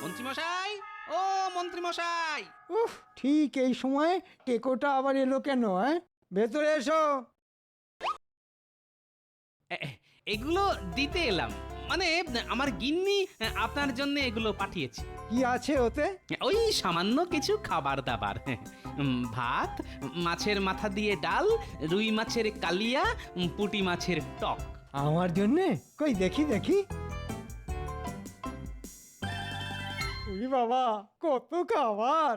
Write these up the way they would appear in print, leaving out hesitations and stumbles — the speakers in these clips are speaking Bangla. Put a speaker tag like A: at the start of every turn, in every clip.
A: মন্ত্রীমশাই, ও মন্ত্রীমশাই।
B: উফ, ঠিক এই সময় টেকোটা আবার এলো কেন? ভেতরে এসো।
A: এগুলো দিতে এলাম, মানে আমার গিন্নি আপনার জন্য এগুলো পাঠিয়েছে।
B: কি আছে ওতে?
A: ওই সামান্য কিছু খাবার দাবার, ভাত, মাছের মাথা দিয়ে ডাল, রুই মাছের কালিয়া, পুঁটি মাছের টক।
B: আমার জন্যে? কই দেখি দেখি। ওরে বাবা, কত খাবার!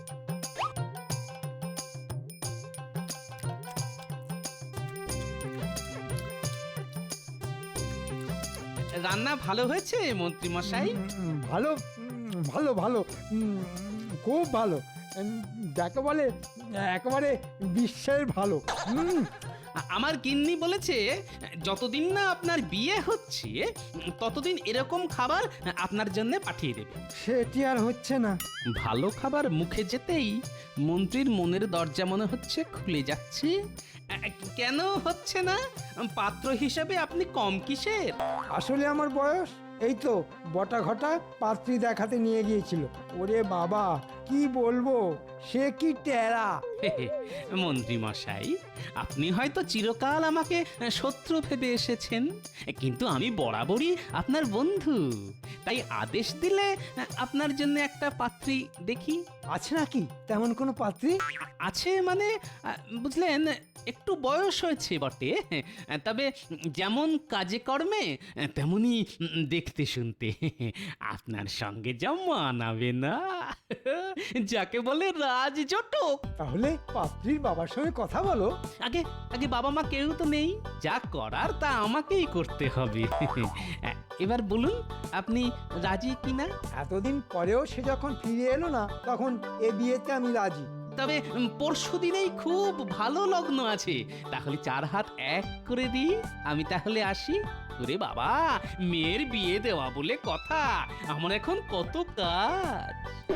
A: রান্না ভালো হয়েছে মন্ত্রীমশাই?
B: ভালো, ভালো ভালো, খুব ভালো। যাকে বলে একেবারে বিশ্বের ভালো।
A: আমার গিন্নি বলেছে যতদিন না আপনার বিয়ে হচ্ছে ততদিন এরকম খাবার আপনার জন্য পাঠিয়ে দেবে।
B: সেটি আর হচ্ছে না।
A: ভালো খাবার মুখে যেতেই মন্ত্রীর মনের দরজা মনে হচ্ছে খুলে যাচ্ছে। কেন হচ্ছে না? পাত্র হিসাবে আপনি কম কিসের?
B: আসলে আমার বয়স এই তো বটা ঘটা পাত্রী দেখাতে নিয়ে গিয়েছিল। ওরে বাবা, কি বলবো, সে কি টেরা!
A: মন্ত্রী মশাই, আপনি হয়তো চিরকাল আমাকে শত্রু ভেবে এসেছেন, কিন্তু আমি বরাবরই আপনার বন্ধু। তাই আদেশ দিলে আপনার জন্য একটা পাত্রী দেখি।
B: আছে নাকি তেমন কোনো পাত্রী?
A: আছে মানে, বুঝলেন, একটু বয়স হয়েছে বটে, তবে যেমন কাজে কর্মে তেমনি দেখতে শুনতে আপনার সঙ্গে যা মানাবে না, যাকে বলে রাজজটক।
B: তাহলে পাত্রীর বাবার সঙ্গে কথা বলো।
A: আগে আগে বাবা মা কেউ তো নেই, যা করার তা আমাকেই করতে হবে। এবার বলুন আপনি রাজি কিনা?
B: এতদিন পরেও সে যখন ফিরে এলো না, তখন এ বিয়েতে আমি রাজি।
A: তবে পরশু দিনেই খুব ভালো লগ্ন আছে, তাহলে 4 হাত এক করে দিই। আমি তাহলে আসি। ওরে বাবা, মেয়ের বিয়ে দেওয়া বলে কথা, আমার এখন কত কাজ।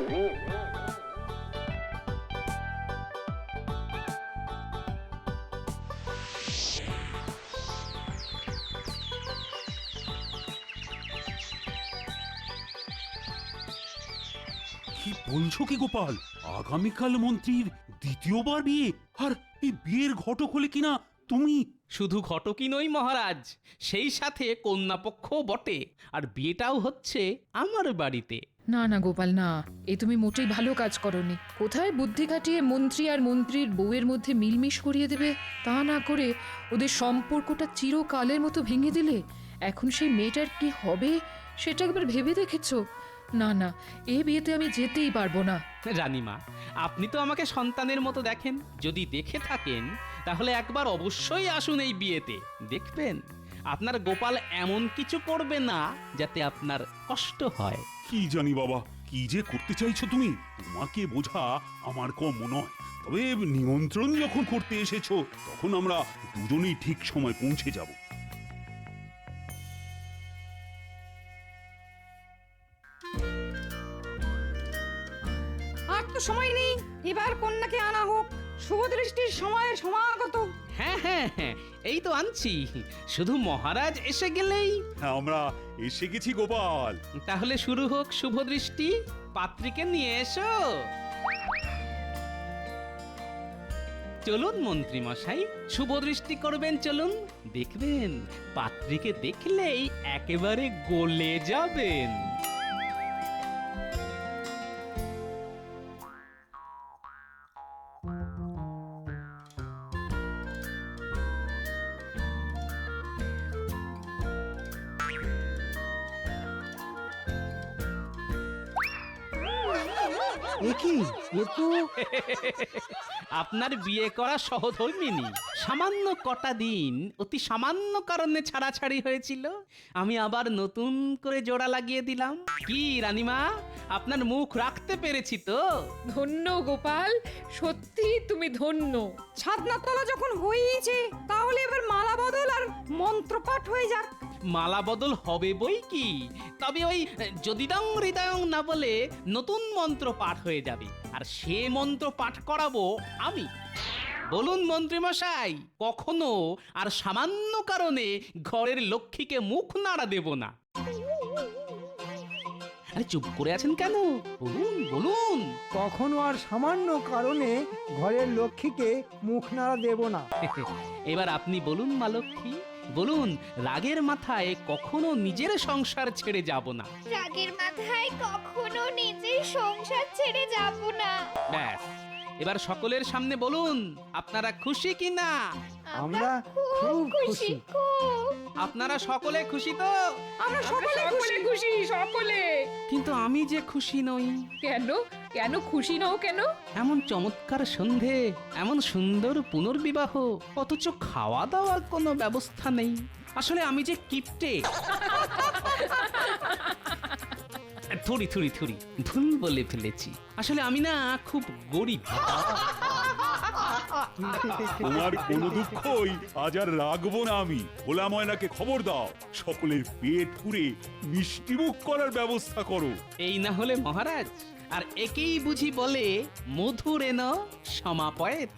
C: কি বলছো কি গোপাল? আগামীকাল মন্ত্রীর দ্বিতীয়বার বিয়ে, আর এই বিয়ের ঘটক হলে কিনা তুমি?
A: শুধু ঘটকই নই মহারাজ, সেই সাথে কন্যাপক্ষ বটে, আর বিয়েটাও হচ্ছে আমার বাড়িতে।
D: না না গোপাল, না, এ তুমি মোটেই ভালো কাজ করনি। কোথায় বুদ্ধি খাটিয়ে মন্ত্রী আর মন্ত্রীর বউয়ের মধ্যে মিলমিশ করিয়ে দেবে, তা না করে ওদের সম্পর্কটা চিরকালের মতো ভেঙে দিলে। এখন সেই মেয়েটার কি হবে সেটা একবার ভেবে দেখেছো? না না, এ বিয়েতে আমি যেতেই পারবো না।
A: রানীমা, আপনি তো আমাকে সন্তানের মতো দেখেন, যদি দেখে থাকেন তাহলে একবার অবশ্যই আসুন এই বিয়েতে। দেখবেন আপনার গোপাল এমন কিছু করবে না যাতে আপনার কষ্ট হয়।
C: কি জানি বাবা, কি যে করতে চাইছো তুমি? তোমাকে বোঝা আমার কম নয়। তবে নিমন্ত্রণ যখন করতে এসেছো, তখন আমরা দুজনেই ঠিক সময় পৌঁছে যাব।
E: আর তো সময় নেই, এবার কন্যাকে আনা হোক। শুভ দৃষ্টির সময়ের সমাগত।
A: হ্যাঁ হ্যাঁ হ্যাঁ, এই তো আনছি, শুধু মহারাজ এসে গেলেই।
C: হ্যাঁ, আমরা এসে গেছি গোপাল।
A: তাহলে শুরু হোক শুভ দৃষ্টি। পাত্রীকে নিয়ে এসো। চলুন মন্ত্রী মশাই, শুভ দৃষ্টি করবেন, চলুন। দেখবেন পাত্রীকে দেখলেই একেবারে গলে যাবেন।
B: এ কি, এ তো
A: আপনার বিয়ে করা সহধর্মিনী। সামান্য কটা দিন অতি সামান্য কারণে ছাড়াছাড়ি হয়েছিল, আমি আবার নতুন করে জোড়া লাগিয়ে দিলাম। কি রানীমা, আপনার মুখ রাখতে পেরেছি তো?
D: ধন্য গোপাল, সত্যি তুমি ধন্য।
E: ছাদনার তলা যখন হয়েইছে, তাহলে এবার মালা বদল আর মন্ত্রপাঠ হয়ে যাক।
A: মালা বদল হবে বই কি, তবে ওই যদিদং হৃদয়ং না বলে নতুন মন্ত্র পাঠ হয়ে যাবে, আর সে মন্ত্র পাঠ করাবো আমি। বলুন মন্ত্রীমশাই, কখনো আর সামান্য কারণে ঘরের লক্ষ্মীকে মুখ নাড়া দেব না। আরে চুপ করে আছেন কেন? বলুন বলুন।
B: কখনো আর সামান্য কারণে ঘরের লক্ষ্মীকে মুখ নাড়া দেব না।
A: এবার আপনি বলুন মা লক্ষ্মী, বলুন রাগের মাথায় কখনো নিজের সংসার ছেড়ে যাব না।
F: রাগের মাথায় কখনো নিজের সংসার ছেড়ে যাব না।
A: ব্যাস, এবার সকলের সামনে বলুন আপনারা খুশি কিনা?
B: আমরা খুব খুশি।
F: খুব।
A: আপনারা সকলে খুশি তো?
E: আমরা সকলে খুশি।
D: খুশি সকলে।
A: কিন্তু আমি যে খুশি নই।
D: কেন কেন খুশি নও কেন?
A: এমন চমৎকার সন্ধে, এমন সুন্দর পুনর্বিবাহ, অথচ খাওয়া দাওয়ার কোনো ব্যবস্থা নেই। আসলে আমি যে কিপটে। থুড়ি থুড়ি থুড়ি ভুল বলে ফেলেছি। আসলে আমি না খুব গরিব।
C: তোমার কোনো দুঃখই আজ আর রাখবো না আমি। ভোলা ময়নাকে খবর দাও, সকলের পেট পুরে মিষ্টিমুখ করার ব্যবস্থা করো।
A: এই না হলে মহারাজ, আর একেই বুঝি বলে মধুরেন সমাপয়েত।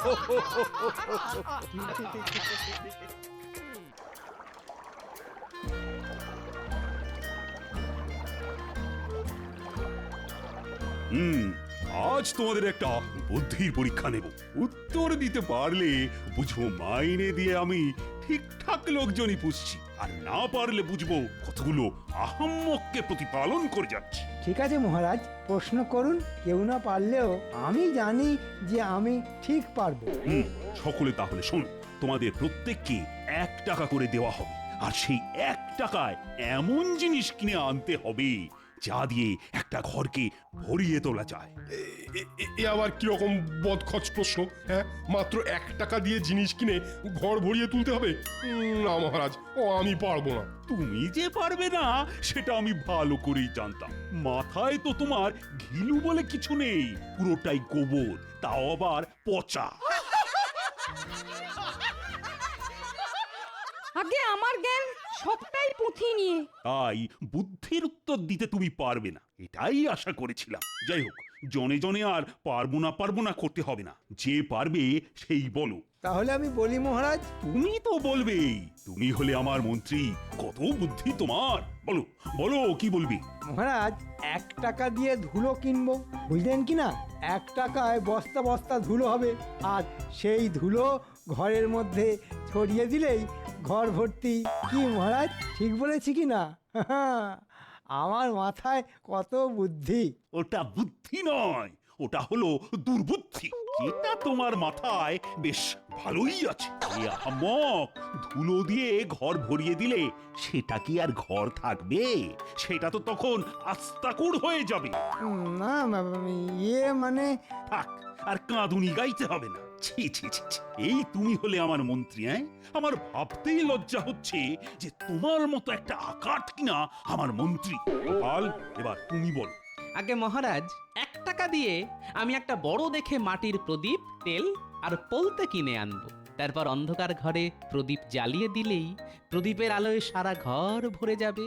C: আজ তোমাদের একটা বুদ্ধির পরীক্ষা নেব। উত্তর দিতে পারলে বুঝবো মাইনে দিয়ে আমি ঠিকঠাক লোকজনই পুষছি, আর না পারলে বুঝবো কতগুলো আহাম্মককে প্রতিপালন করে যাচ্ছি।
B: ঠিক আছে মহারাজ, প্রশ্ন করুন। কেউ না পারলেও আমি জানি যে আমি ঠিক পারবো।
C: সকলে তাহলে শোনো, তোমাদের প্রত্যেককে 1 টাকা করে দেওয়া হবে, আর সেই 1 টাকায় এমন জিনিস কিনে আনতে হবে যা দিয়ে একটা ঘরকে ভরিয়ে তোলা যায়।
G: এ আবার কিরকম বদখচ প্রশ্ন? হ্যাঁ, মাত্র 1 টাকা দিয়ে জিনিস কিনে ঘর ভরিয়ে তুলতে হবে? না মহারাজ, আমি পারবো না।
C: তুমি যে পারবে না সেটা আমি ভালো করেই জানতাম। মাথায় তো তোমার ঘিলু বলে কিছু নেই, পুরোটাই গোবর, তাও আবার পচা।
E: আগে আমার জ্ঞান সবটাই পুঁথি নিয়ে।
C: তাই বুদ্ধির উত্তর দিতে তুমি পারবে না, এটাই আশা করেছিলাম। যাই হোক, জনে জনে আর পারবো না করতে হবে না। যে পারবে সেই বলো।
B: তাহলে আমি বলি মহারাজ।
C: তুমি তো বলবেই, তুমি হলে আমার মন্ত্রী, কত বুদ্ধি তোমার। বলো বলো, কি বলবি?
B: মহারাজ, 1 টাকা দিয়ে ধুলো কিনবো, বুঝলেন কি না? 1 টাকায় বস্তা বস্তা ধুলো হবে, আর সেই ধুলো ঘরের মধ্যে ছড়িয়ে দিলেই ঘর ভর্তি। কি মহারাজ, ঠিক বলেছি কি না? আমার মাথায় কত বুদ্ধি।
C: ওটা বুদ্ধি নয়, ওটা হলো দুর্বুদ্ধি, যেটা তোমার মাথায় বেশ ভালোই আছে। এ আহাম্মক, ধুলো দিয়ে ঘর ভরিয়ে দিলে সেটা কি আর ঘর থাকবে? সেটা তো তখন আস্তাকুড় হয়ে যাবে।
B: না মানে
C: থাক, আর কাঁদুনি গাইতে হবে না। ছি ছি ছি ছি। এই তুমি হলে আমার মন্ত্রী? আমার ভাবতেই লজ্জা হচ্ছে যে তোমার মতো একটা আকাট কিনা আমার মন্ত্রী। গোপাল, এবার তুমি বলো।
A: আগে মহারাজ, 1 টাকা দিয়ে আমি একটা বড় দেখে মাটির প্রদীপ, তেল আর পলতে কিনে আনবো। তারপর অন্ধকার ঘরে প্রদীপ জ্বালিয়ে দিলেই প্রদীপের আলোয় সারা ঘর ভরে যাবে।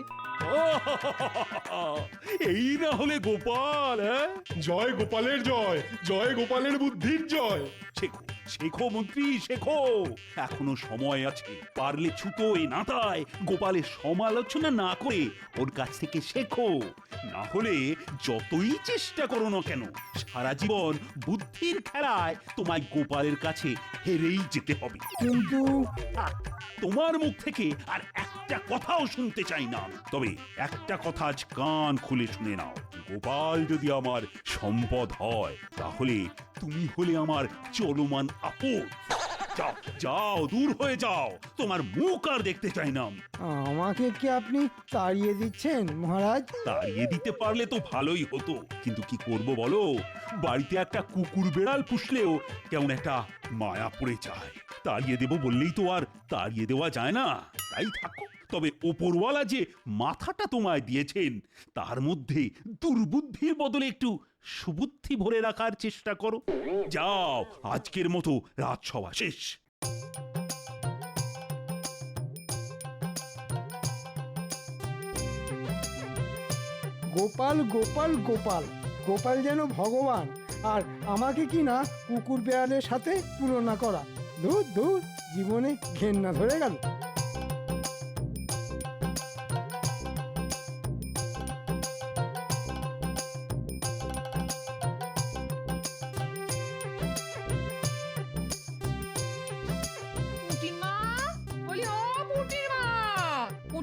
C: এই না হলে গোপাল।
G: জয় গোপালের জয়, জয় গোপালের বুদ্ধির জয়।
C: শেখো শেখো মন্ত্রী, শেখো, এখনো সময় আছে। পারলে ছুতো এ নাতায় গোপালের সমালোচনা না করে ওর কাছ থেকে শেখো। না হলে যতই চেষ্টা করো না কেন, সারা জীবন বুদ্ধির খেলায় তোমায় গোপালের কাছে হেরেই যেতে হবে।
B: কিন্তু
C: তোমার মুখ থেকে আর একটা কথাও শুনতে চাই না। তবে একটা কথা আজ কান খুলে শুনে নাও, গোপাল যদি আমার সম্পদ হয়, তাহলে তুমি হলে আমার চলমান আপদ। যাও যাও, দূর হয়ে যাও, তোমার মুখ আর দেখতে চাই না আমি।
B: আমাকে কি আপনি তাড়িয়ে দিচ্ছেন মহারাজ?
C: তাড়িয়ে দিতে পারলে তো ভালোই হতো, কিন্তু কি করব বলো? বাড়িতে একটা কুকুর বেড়াল পুষলেও কেমন একটা মায়া পড়ে যায়। তাড়িয়ে দেব বললেই তো আর তাড়িয়ে দেওয়া যায় না। তাই থাকো। তবে ওপরওয়ালা যে মাথাটা তোমায় দিয়েছেন, তার মধ্যে দুর্বুদ্ধির বদলে একটু সুবুদ্ধি ভরে রাখার চেষ্টা করো। যাও, আজকের মতো রাজসভা শেষ।
B: গোপাল গোপাল গোপাল, গোপাল যেন ভগবান, আর আমাকে কি না কুকুর বেড়ালের সাথে তুলনা করা। দূর দূর, জীবনে ঘেন্না ধরে গেল।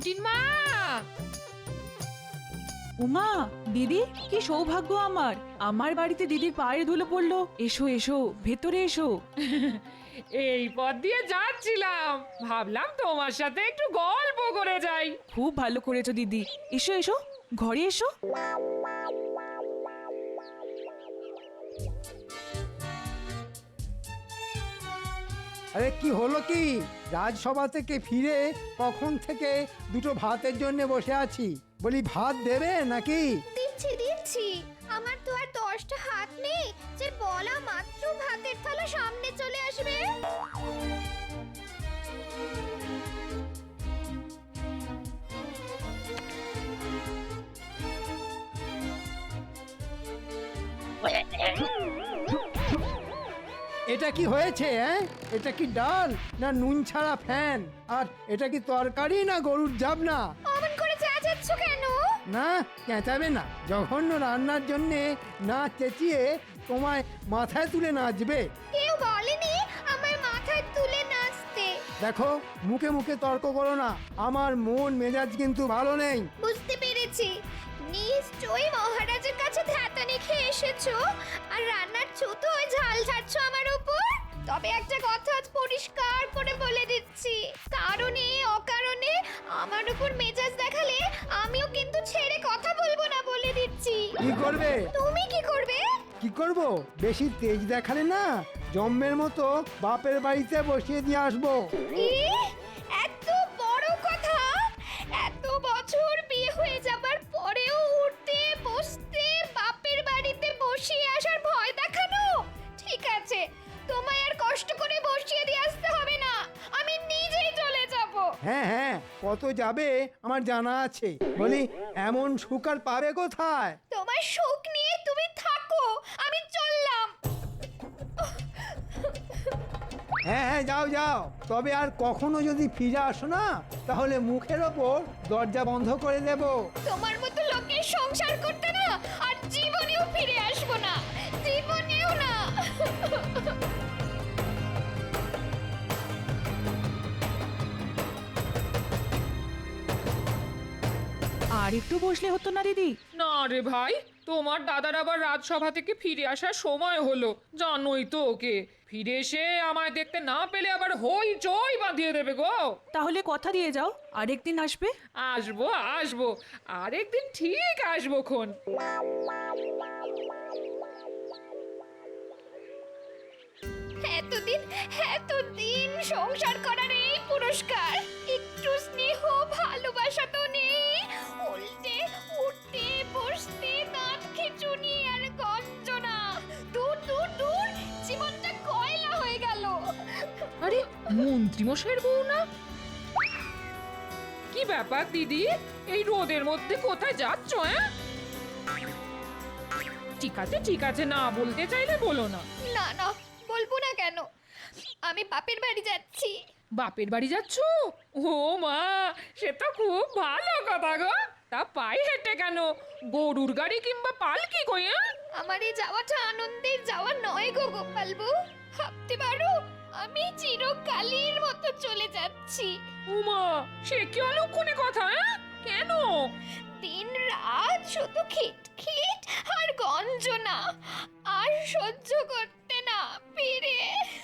D: পুটিন মা!
H: উমা, দিদি, কি সৌভাগ্য আমার! আমার বাড়িতে দিদির পায়ের ধুলো পড়লো। এসো এসো, ভেতরে এসো।
D: এই পথ দিয়ে যাচ্ছিলাম, ভাবলাম তোমার সাথে একটু গল্প করে যাই।
H: খুব ভালো করেছো দিদি। এসো এসো, ঘরে এসো।
B: আরে কি হলো কি? রাজসভা থেকে ফিরে কখন থেকে দুটো ভাতের জন্য বসে আছি। বলি ভাত দেবে নাকি?
F: দিচ্ছি দিচ্ছি, আমার তো আর 10টা হাত নেই যে বলা মাত্র ভাতের থালা সামনে চলে আসবে।
B: এটা কি হয়েছে? এটা কি ডাল না নুন ছাড়া ফ্যান? আর এটা কি তরকারি না গরুর জাবনা?
F: অমন করে চেঁচাচ্ছ কেন?
B: না, চেঁচাবে না। জঘন্য রান্নার জন্যে না চেঁচিয়ে তোমায় মাথায় তুলে নাচবে।
F: কেউ বলেনি আমার মাথায় তুলে নাচতে।
B: দেখো, মুখে মুখে তর্ক করো না। আমার মন মেজাজ কিন্তু ভালো নেই।
F: বুঝতে পেরেছি, নিশ্চয়ই মহারাজের কাছে ধ্যাতানি খেয়ে এসেছো আর রান্নার ছুতো ওই ঝাল ঝাড়ছো আমার উপর। তবে একটা কথা আজ পরিষ্কার করে বলে দিচ্ছি, কারণে অকারণে আমার উপর মেজাজ দেখালে আমিও কিন্তু ছেড়ে কথা বলবো না, বলে দিচ্ছি।
B: কি করবে?
F: তুমি কি করবে?
B: কি করব? বেশি তেজ দেখালে না জম্মের মতো বাপের বাড়িতে বসিয়ে দিয়ে আসবো।
F: এত বড় কথা! এত বছর বিয়ে হয়ে যাবার পরেও উঠতে বসতে বাপের বাড়িতে বসিয়ে আসার ভয় দেখানো? ঠিক আছে, তোমায় আর কষ্ট করে বসিয়ে দিয়ে আসতে হবে না, আমি নিজেই চলে যাব।
B: হ্যাঁ হ্যাঁ, কত যাবে আমার জানা আছে। বলি এমন সুখ আর পাবে কোথায়?
F: তোমার সুখ নিয়ে তুমি থাকো, আমি চললাম।
B: হ্যাঁ হ্যাঁ, যাও যাও। তবে আর কখনো যদি ফিরে আসো না, তাহলে মুখের ওপর দরজা বন্ধ করে দেব।
F: তোমার মতো লোকের সংসার করতে না আর জীবনেও ফিরে আসবো না, জীবনেও না।
H: আর একটু বসলে হতো না দিদি?
D: না রে ভাই, তোমার দাদার আবার রাজসভা থেকে ফিরে আসার সময় হলো, জানোই তো ওকে। ফিরে এসে আমায় দেখতে না পেলে আবার হই চই বাঁধিয়ে দেবে গো।
H: তাহলে কথা দিয়ে যাও, আরেকদিন আসবে।
D: আসবো আসবো, আরেকদিন ঠিক আসবো খন।
F: এতদিন সংসার করার এই পুরস্কার, একটু স্নেহ ভালোবাসা তো নেই, উল্টে উঠতে বসতে দাঁত খিঁচুনি আর গঞ্জনা। দূর দূর দূর, জীবনটা কয়লা হয়ে গেল।
D: আরে মন্ত্রী মশাইয়ের বউ না? কি ব্যাপার দিদি, এই রোদের মধ্যে কোথায় যাচ্ছ? ঠিক আছে, না বলতে চাইলে বলো না।
F: না না, বলবো না কেন, আমি বাপের বাড়ি যাচ্ছি।
D: বাপের বাড়ি যাচ্ছ? ও মা, সে তো খুব ভালো কথা গো। তা পায়ে হেঁটে কেন? গরুর গাড়ি কিংবা পালকি কই?
F: আমার এই যাওয়াটা আনন্দের যাওয়া নয় গো গোপালবু, ভাবতে পারো আমি চিরকালের মতো চলে যাচ্ছি।
D: উমা, সে কি অলক্ষণে কথা? কেন?
F: দিন রাত শুধু খিটখিট আর গঞ্জনা, আর সহ্য করতে না পেরে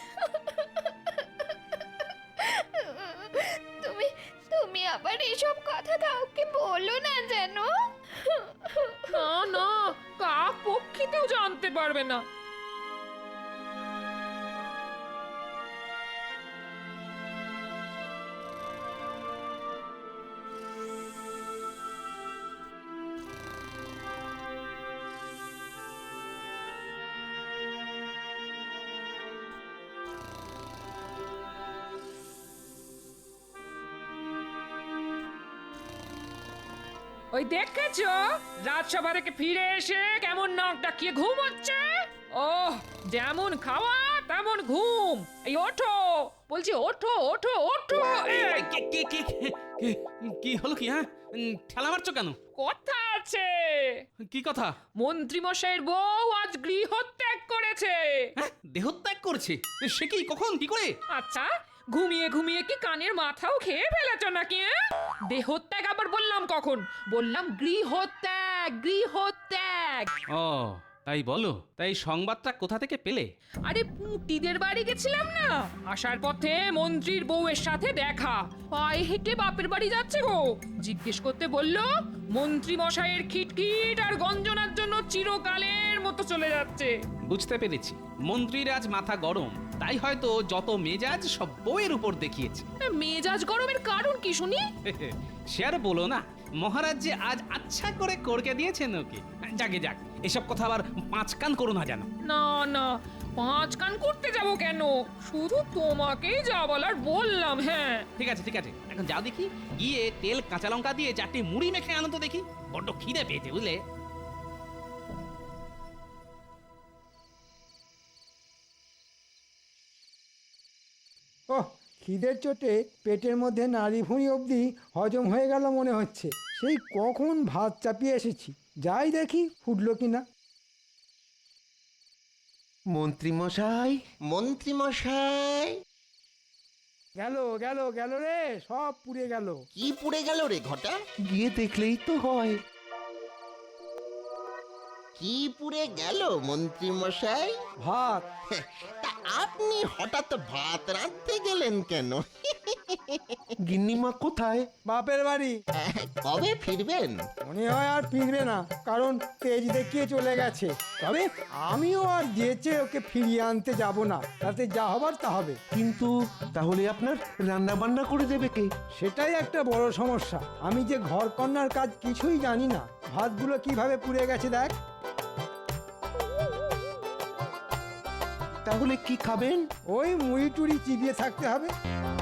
F: তুমি আবার এসব কথা কাউকে বলো না যেন।
D: না না, কাক পক্ষীতেও জানতে পারবে না। ওই দেখেছো, রাজসভা থেকে ফিরে এসে কেমন নাক ডাকিয়ে ঘুম হচ্ছে। ওহ, যেমন খাওয়া তেমন ঘুম। এই ওঠো বলছি, ওঠো ওঠো ওঠো। এই,
A: কি হলো কি? ঠেলা মারছো কেন?
D: কথা আছে।
A: কি কথা?
D: মন্ত্রী মশাইয়ের বউ আজ গৃহত্যাগ করেছে।
A: দেহত্যাগ করছে? সে কি, কখন, কি করে?
D: আচ্ছা, ঘুমিয়ে ঘুমিয়ে কি কানের মাথাও খেয়ে ফেলেছ নাকি? দেহত্যাগ আবার বললাম কখন? বললাম গৃহত্যাগ, গৃহত্যাগ।
A: ও তাই বলো, তাই সংবাদটা কোথা থেকে পেলে?
D: আরে পুঁটিদের বাড়ি গেছিলাম না, আসার পথে মন্ত্রীর বউয়ের সাথে দেখা। পায়ে হেঁটে বাপের বাড়ি যাচ্ছে গো। জিজ্ঞেস করতে বললো মন্ত্রী মশাইয়ের খিটখিট আর গঞ্জনার জন্য চিরকালের মতো চলে যাচ্ছে।
A: বুঝতে পেরেছি, মন্ত্রীর আজ মাথা গরম, তাই হয়তো যত মেজাজ সব বউয়ের উপর দেখিয়েছে।
D: মেজাজ গরমের কারণ কি শুনি?
A: সে আর বলো না, মহারাজ যে আজ আচ্ছা করে করকে দিয়েছেন ওকে। যাকে যাক, এসব কথা আবার পাঁচ কান করো না জানো।
D: না না, পাঁচ কান করতে যাব কেন? শুধু তোমাকেই যা বলার বললাম। হ্যাঁ
A: ঠিক আছে ঠিক আছে, এখন যাও দেখি, গিয়ে তেল কাঁচা লঙ্কা দিয়ে 4টি মুড়ি মেখে আনো তো দেখি, বড্ড খিদে পেয়েছে বুঝলে।
B: ওহ, খিদের চোটে পেটের মধ্যে নাড়ি ভুঁড়ি অবধি হজম হয়ে গেল মনে হচ্ছে। সেই কখন ভাত চাপিয়ে এসেছি, যাই দেখি ফুটলো কিনা।
I: মন্ত্রীমশাই, মন্ত্রীমশাই।
B: গেল গেল গেল রে, সব পুড়ে গেল।
I: কি পুড়ে গেল রে ঘটা? গিয়ে দেখলেই তো হয়। কি পুড়ে গেল মন্ত্রীমশাই?
B: ভাত।
I: তা আপনি হঠাৎ ভাত রাঁধতে গেলেন কেন? গিন্নিমা কোথায়?
B: বাপের বাড়ি।
I: কবে ফিরবেন?
B: মনে হয় আর ফিরবে না, কারণ তেজ দেখিয়ে চলে গেছে। তবে আমিও আর যেচে ওকে ফিরিয়ে আনতে যাব না, তাতে যা হবার তা হবে।
J: কিন্তু তাহলে আপনার রান্না বান্না করে দেবে কে?
B: সেটাই একটা বড় সমস্যা। আমি যে ঘর কন্যার কাজ কিছুই জানি না। ভাতগুলো কিভাবে পুড়ে গেছে দেখ।
J: তাহলে কি খাবেন?
B: ওই মুড়ি টুড়ি চিবিয়ে থাকতে হবে।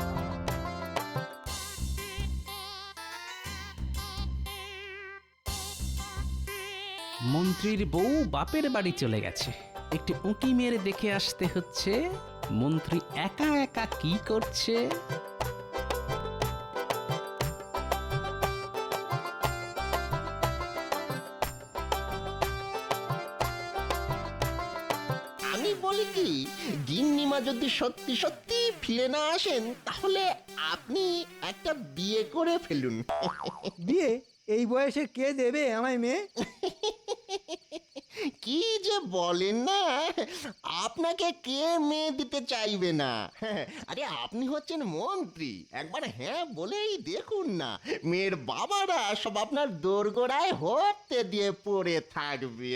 A: মন্ত্রীর বউ বাপের বাড়ি চলে গেছে, একটি উঁকি মেরে দেখে আসতে হচ্ছে মন্ত্রী একা একা কি করছে।
I: আমি বলি কি, গিন্নিমা যদি সত্যি সত্যি ফিরে না আসেন তাহলে আপনি একটা বিয়ে করে ফেলুন।
B: বিয়ে এই বয়সে কে দেবে আমায় মেয়ে?
I: কি যে বলেন না, আপনাকে কে মেয়ে দিতে চাইবে না? আরে আপনি হচ্ছেন মন্ত্রী, একবার হ্যাঁ বলেই দেখুন না, মেয়ের বাবারা সব আপনার দোরগোড়ায় হতে দিয়ে পড়ে থাকবে।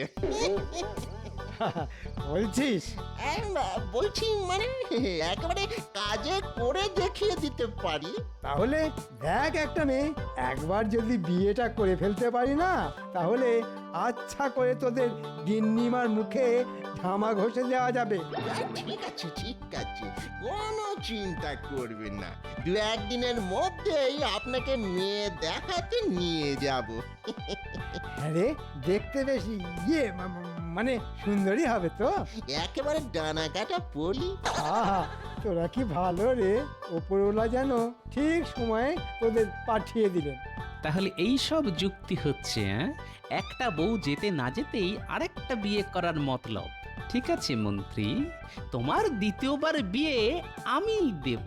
B: বলছিস?
I: বলছি মানে একেবারে কাজে করে দেখিয়ে দিতে পারি।
B: তাহলে দেখ একটা মেয়ে, একবার যদি বিয়েটা করে ফেলতে পারি না, তাহলে আচ্ছা করে তোদের গিন্নিমার মুখে ঝামা ঘষে দেওয়া যাবে।
I: ঠিক আছে ঠিক আছে, কোনো চিন্তা করবেন না, 2-1 দিনের মধ্যেই আপনাকে মেয়ে দেখাতে নিয়ে যাব।
B: আরে দেখতে বেশি মানে সুন্দরী হবে তো?
I: একেবারে ডানা কাটা পড়ি।
B: আহা, তোরা কি ভালো রে, ওপরওয়ালা যেন ঠিক সময়ে তোদের পাঠিয়ে দিলেন।
A: তাহলে এই সব যুক্তি হচ্ছে, একটা বউ যেতে না যেতেই আরেকটা বিয়ে করার মতলব। ঠিক আছে মন্ত্রী, তোমার দ্বিতীয়বার বিয়ে আমি দেব।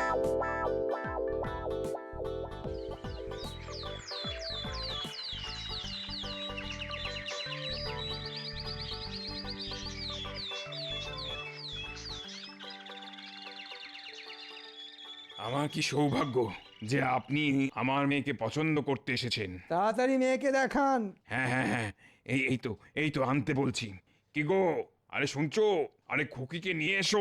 K: আমার কি সৌভাগ্য যে আপনি আমার মেয়েকে পছন্দ করতে এসেছেন।
B: তাড়াতাড়ি মেয়েকে দেখান।
K: হ্যাঁ হ্যাঁ হ্যাঁ, এই তো আনতে বলছি। কি গো, আরে শুনছো? আরে খুকিকে নিয়ে এসো।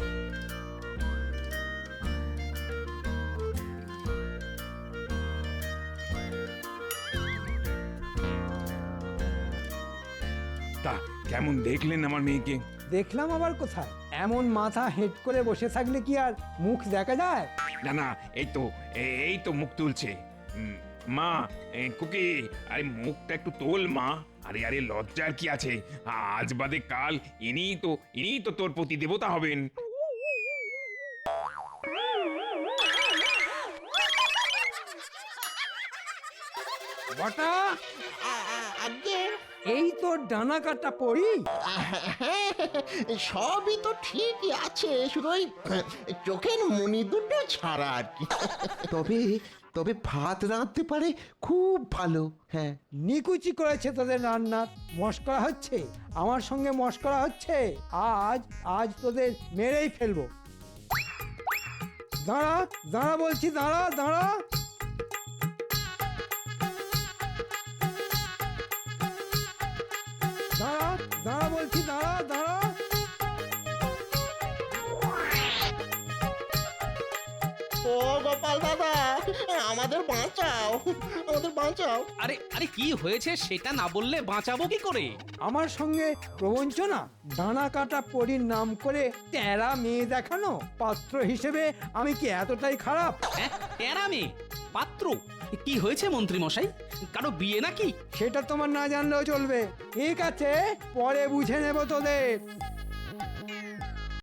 K: তা কেমন দেখলেন আমার মেয়েকে?
B: দেখলাম আবার কোথায়, এমন মাথা হেঁট করে বসে থাকলে কি আর মুখ দেখা যায়?
K: না না, এই তো মুখ তুলছে। মা, খুকি, আরে মুখটা একটু তোল মা। আরে আরে লজ্জার কি আছে, আজ বাদে কাল ইনিই তো তোর প্রতি দেবতা হবেন।
B: বটা,
I: আগে
B: এই তো ডানা কাটা পড়ি।
I: হ্যাঁ, সবই তো ঠিকই আছে, শুধু ওই চোখের মনি দুটো ছাড়া আর কি।
J: তবে তবে ভাত রাঁধতে পারে খুব ভালো। হ্যাঁ,
B: নিকুচি করেছে তোদের রান্নার। মস্করা হচ্ছে, আমার সঙ্গে মস্করা হচ্ছে। আজ আজ তোদের মেরেই ফেলবো। দাঁড়া দাঁড়া বলছি, দাঁড়া দাঁড়া। দাঁড়া দাঁড়া বলছি, দাঁড়া দাঁড়া।
I: ও গোপাল দাদা, আমাদের বাঁচাও, আমাদের বাঁচাও।
A: আরে আরে কি হয়েছে সেটা না বললে বাঁচাবো কি করে?
B: আমার সঙ্গে প্রবঞ্চনা, ডানা কাটা পরীর নাম করে তেরা মেয়ে দেখানো। পাত্র হিসেবে আমি কি এতটাই খারাপ?
A: হ্যাঁ, টেরা মেয়ে পাত্র? কি হয়েছে মন্ত্রী মশাই, কারো বিয়ে নাকি?
B: সেটা তোমার না জানলেও চলবে। ঠিক আছে, পরে বুঝে নেব তোদের।